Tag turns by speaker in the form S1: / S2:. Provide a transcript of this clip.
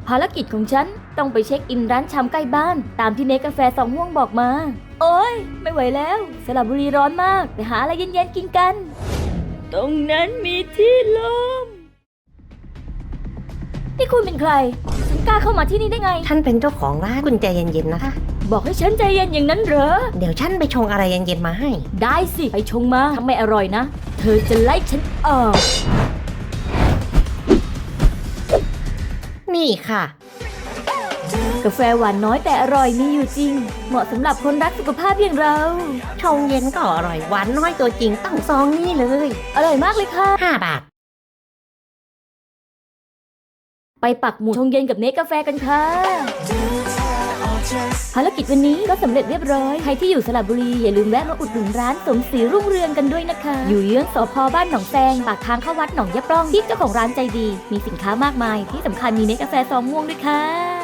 S1: ภารกิจของฉันต้องไปเช็คอินร้านชำใกล้บ้านตามที่เนกาแฟสองม่วงบอกมาโอ๊ยไม่ไหวแล้วสระบุรีร้อนมากไปหาอะไรเย็นๆกินกันตรงนั้นมีที่ลมนี่คุณเป็นใครฉันกล้าเข้ามาที่นี่ได้ไง
S2: ฉันเป็นเจ้าของร้านคุณใจเย็นๆนะคะ
S1: บอกให้ฉันใจเย็นอย่างนั้นเหรอ
S2: เดี๋ยวฉันไปชงอะไรเย็นๆมาให้
S1: ได้สิไปชงมาถ้าไม่อร่อยนะเธอจะไล่ฉันออก
S2: นี่ค่ะ
S1: กาแฟหวานน้อยแต่อร่อยมีอยู่จริง เหมาะสำหรับคนรักสุขภาพอย่างเรา
S2: ชงเย็นก็อร่อยหวานน้อยตัวจริงต้องซองนี่เลย
S1: อร่อยมากเลยค่ะ
S2: 5 บาท
S1: ไปปักหมุดชงเย็นกับเนกาแฟกันค่ะภารกิจวันนี้ก็สำเร็จเรียบร้อยใครที่อยู่สระบุรีอย่าลืมแวะมาอุดหนุนร้านสมศรีรุ่งเรืองกันด้วยนะคะอยู่เยื้องสภ.บ้านหนองแซงปากทางเข้าวัดหนองยะปล้องที่เจ้าของร้านใจดีมีสินค้ามากมายที่สำคัญมีเนกาแฟซองม่วงด้วยค่ะ